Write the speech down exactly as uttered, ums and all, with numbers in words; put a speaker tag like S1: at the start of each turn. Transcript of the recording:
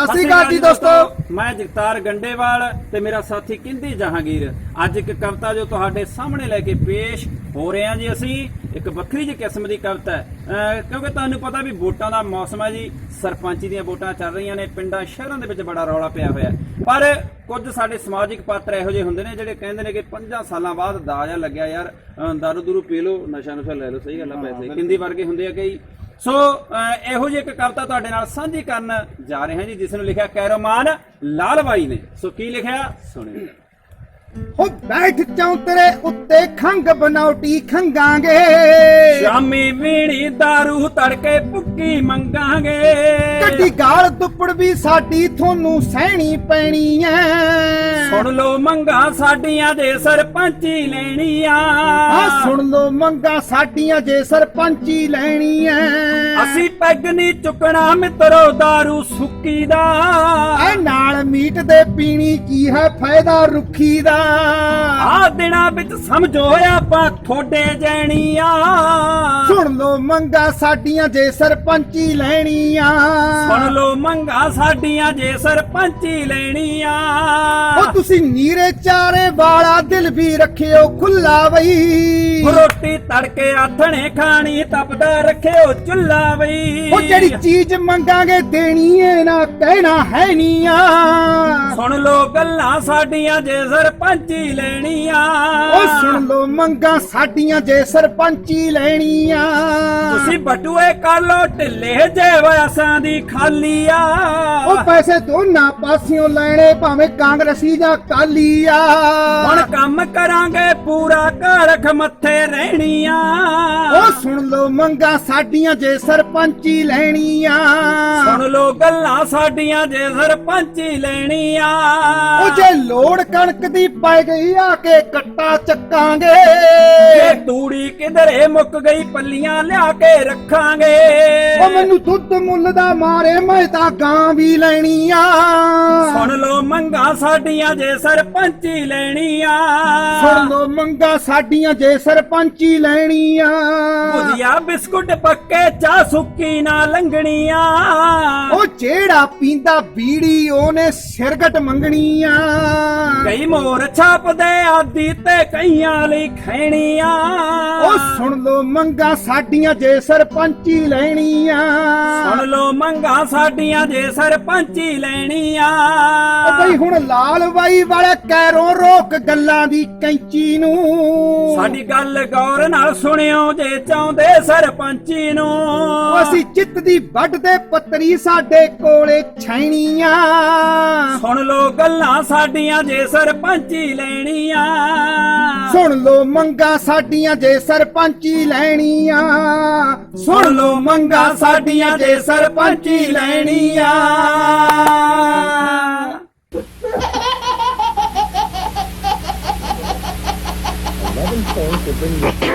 S1: ਸਤਿ ਸ੍ਰੀ ਅਕਾਲ ਜੀ ਦੋਸਤੋ,
S2: मैं जगतार गंडेवाल ते मेरा साथी किंदी जहांगीर अज एक कविता जो तुहाडे सामने लैके पेश हो रहे हैं जी। असी एक वक्री जी किस्म की कविता है अह क्योंकि तुहानूं पता भी वोटां दा मौसम है जी, सरपंची दीयां वोटां चल रही ने, पिंडां शहरां दे विच बड़ा रौला पिया होया। पर कुछ साडे समाजिक पात्र इहो जिहे हुंदे ने जिहड़े कहिंदे ने कि पंजां सालां बाद दाजा लग्या यार, दारू दूरू पी लो, नशा नुशा लै लो, सही गल है, पैसे किंदी वर्गे हुंदे आ कई। सो ਇਹੋ ਜਿਹੀ ਇੱਕ ਕਵਿਤਾ ਤੁਹਾਡੇ ਨਾਲ ਸਾਂਝੀ ਕਰਨ ਜਾ ਰਹੇ ਹਾਂ ਜੀ, ਜਿਸ ਨੂੰ ਲਿਖਿਆ ਕੈਰੋਮਾਨ ਲਾਲ ਬਾਈ ਨੇ। ਸੋ ਕੀ ਲਿਖਿਆ ਸੁਣਿਓ।
S1: ਹੋ ਬੈਠ ਚੌਂਤਰੇ ਉੱਤੇ ਖੰਗ ਬਨੌਟੀ ਖੰਗਾਂਗੇ,
S2: ਸ਼ਾਮੀ ਵੀਣੀ ਦਾਰੂ ਤੜਕੇ ਭੁੱਕੀ ਮੰਗਾਂਗੇ,
S1: ਕੱਢੀ ਗਾਲ ਦੁੱਪੜ ਵੀ ਸਾਡੀ ਤੁਹਾਨੂੰ ਸਹਿਣੀ ਪੈਣੀ ਐ।
S2: ਸੁਣ ਲੋ ਮੰਗਾ ਸਾਡੀਆਂ ਜੇ ਸਰਪੰਚੀ ਲੈਣੀ ਆ,
S1: ਆ ਸੁਣ ਲੋ ਮੰਗਾ ਸਾਡੀਆਂ ਜੇ ਸਰਪੰਚੀ ਲੈਣੀ ਐ।
S2: ਅਸੀਂ ਪੈਗ ਨਹੀਂ ਚੁੱਕਣਾ ਮਿੱਤਰੋ ਦਾਰੂ ਸੁੱਕੀ ਦਾ,
S1: ਐ ਨਾਲ ਮੀਟ ਦੇ ਪੀਣੀ ਕੀ ਹੈ ਫਾਇਦਾ ਰੁੱਖੀ ਦਾ।
S2: ਆ ਦਿਨਾਂ ਵਿੱਚ ਸਮਝੋ ਆਪਾਂ ਥੋੜੇ ਜੈਣੀ ਆ,
S1: ਸੁਣ ਲੋ ਮੰਗਾ ਸਾਡੀਆਂ ਜੇ ਸਰਪੰਚੀ ਲੈਣੀ ਆ।
S2: ਸੁਣ ਲੋ ਮੰਗਾ ਸਾਡੀਆਂ ਜੇ ਸਰਪੰਚੀ ਲੈਣੀ ਆ।
S1: ਉਹ ਤੁਸੀਂ ਨੀਰੇ ਚਾਰੇ ਵਾਲਾ ਦਿਲ ਵੀ ਰੱਖਿਓ ਖੁੱਲਾ ਬਈ,
S2: ਰੋਟੀ ਤੜਕੇ ਆਥਣੇ ਖਾਣੀ ਤਪਦਾ ਰੱਖਿਓ ਚੁੱਲਾ ਬਈ।
S1: ਉਹ ਜਿਹੜੀ ਚੀਜ਼ ਮੰਗਾਂਗੇ ਦੇਣੀ ਏ ਨਾ ਕਹਿਣਾ ਹੈ ਨੀ ਆ।
S2: ਸੁਣ ਲੋ ਗੱਲਾਂ ਸਾਡੀਆਂ ਜੇ ਸਰਪੰਚੀ ਲੈਣੀ ਆ,
S1: ਉਹ ਸੁਣ ਲੋ ਮੰਗਾ ਸਾਡੀਆਂ ਜੇ ਸਰਪੰਚੀ ਲੈਣੀ ਆ।
S2: ਤੁਸੀਂ ਬਟੂਏ ਕਰ ਲੋ ਢਿੱਲੇ ਜੇ ਵਸਾਂ ਦੀ ਖਾਲੀ ਆ,
S1: ਉਹ ਪੈਸੇ ਦੋਨਾਂ ਪਾਸਿਓਂ ਲੈਣੇ ਭਾਵੇਂ ਕਾਂਗਰਸੀ ਜਾਂ ਕਾਲੀ ਆ।
S2: ਹੁਣ ਕੰਮ ਕਰਾਂਗੇ ਪੂਰਾ ਘਰ ਮੱਥੇ ਰਹਿਣੀ ਆ।
S1: ਉਹ ਸੁਣ ਲੋ ਮੰਗਾ ਸਾਡੀਆਂ ਜੇ ਸਰਪੰਚੀ ਲੈਣੀ ਆ।
S2: ਸੁਣ ਲੋ ਗੱਲਾਂ ਸਾਡੀਆਂ ਜੇ ਸਰਪੰਚੀ ਲੈਣੀ ਆ।
S1: ਉਹ ਜੇ ਲੋੜ ਕਣਕ ਦੀ ਪੈ ਗਈ ਆ ਕੇ ਕੱਟਾ ਚੱਕਾਂਗੇ,
S2: ਜੇ ਤੂੜੀ ਕਿਧਰੇ ਮੁੱਕ ਗਈ ਪੱਲੀਆਂ ਲਿਆ ਕੇ ਰੱਖਾਂਗੇ।
S1: ਉਹ ਮੈਨੂੰ ਦੁੱਧ ਮੁੱਲ ਦਾ ਮਾਰੇ ਮੈਂ ਤਾਂ ਗਾਂ ਵੀ ਲੈਣੀ ਆ।
S2: ਸੁਣ ਲੋ ਮੰਗਾ ਸਾਡੀਆਂ ਜੇ ਸਰਪੰਚੀ ਲੈਣੀ ਆ।
S1: ਸੁਣ ਲੋ ਮੰਗਾ ਸਾਡੀਆਂ ਜੇ ਸਰਪੰਚੀ ਲੈਣੀ ਆ।
S2: ਭੁਜੀਆ ਬਿਸਕੁਟ ਪੱਕੇ ਚਾਹ ਸੁੱਕੀ ਨਾ ਲੰਗਣੀ ਆ।
S1: ਉਹ ਜਿਹੜਾ ਪੀਂਦਾ ਬੀੜੀ ਉਹਨੇ ਸਿਰਗਟ ਮੰਗਣੀ ਆ।
S2: ਕਈ ਮੋਰ ਛਾਪਦੇ ਆਦੀ ਤੇ ਕਈਆਂ ਲਈ ਖੈਣੀ ਆ।
S1: ਉਹ ਸੁਣ ਲੋ ਮੰਗਾ ਸਾਡੀਆਂ ਜੇ ਸਰਪੰਚੀ ਲੈਣੀ ਆ।
S2: ਸੁਣ ਲੋ ਮੰਗਾ ਸਾਡੀਆਂ ਜੇ ਸਰਪੰਚੀ ਲੈਣੀ ਆ।
S1: ਉਹ ਬਈ ਹੁਣ ਲਾਲ ਬਾਈ ਵਾਲੇ ਕੈਰੋਂ ਰੋਕ ਗੱਲਾਂ ਦੀ ਕੈਂਚੀ ਨੂੰ,
S2: ਸਾਡੀ ਗੱਲ ਗੌਰ ਨਾਲ ਸੁਣਿਓ ਜੇ ਚਾਹੁੰਦੇ ਸਰਪੰਚੀ ਨੂੰ।
S1: ਅਸੀਂ ਚਿੱਤ ਦੀ ਵੱਢ ਦੇ ਪੱਤਰੀ ਸਾਡੇ ਕੋਲੇ ਛੈਣੀਆਂ।
S2: ਸੁਣ ਲੋ ਗੱਲਾਂ ਸਾਡੀਆਂ ਜੇ ਸਰਪੰਚੀ ਲੈਣੀ ਆ।
S1: ਸੁਣ ਲੋ ਮੰਗਾ ਸਾਡੀਆਂ ਜੇ ਸਰਪੰਚੀ ਲੈਣੀ ਆ। ਸੁਣ ਲੋ ਮੰਗਾ ਸਾਡੀਆਂ ਜੇ ਸਰਪੰਚੀ ਲੈਣੀ ਆ।
S3: eleven points to bring you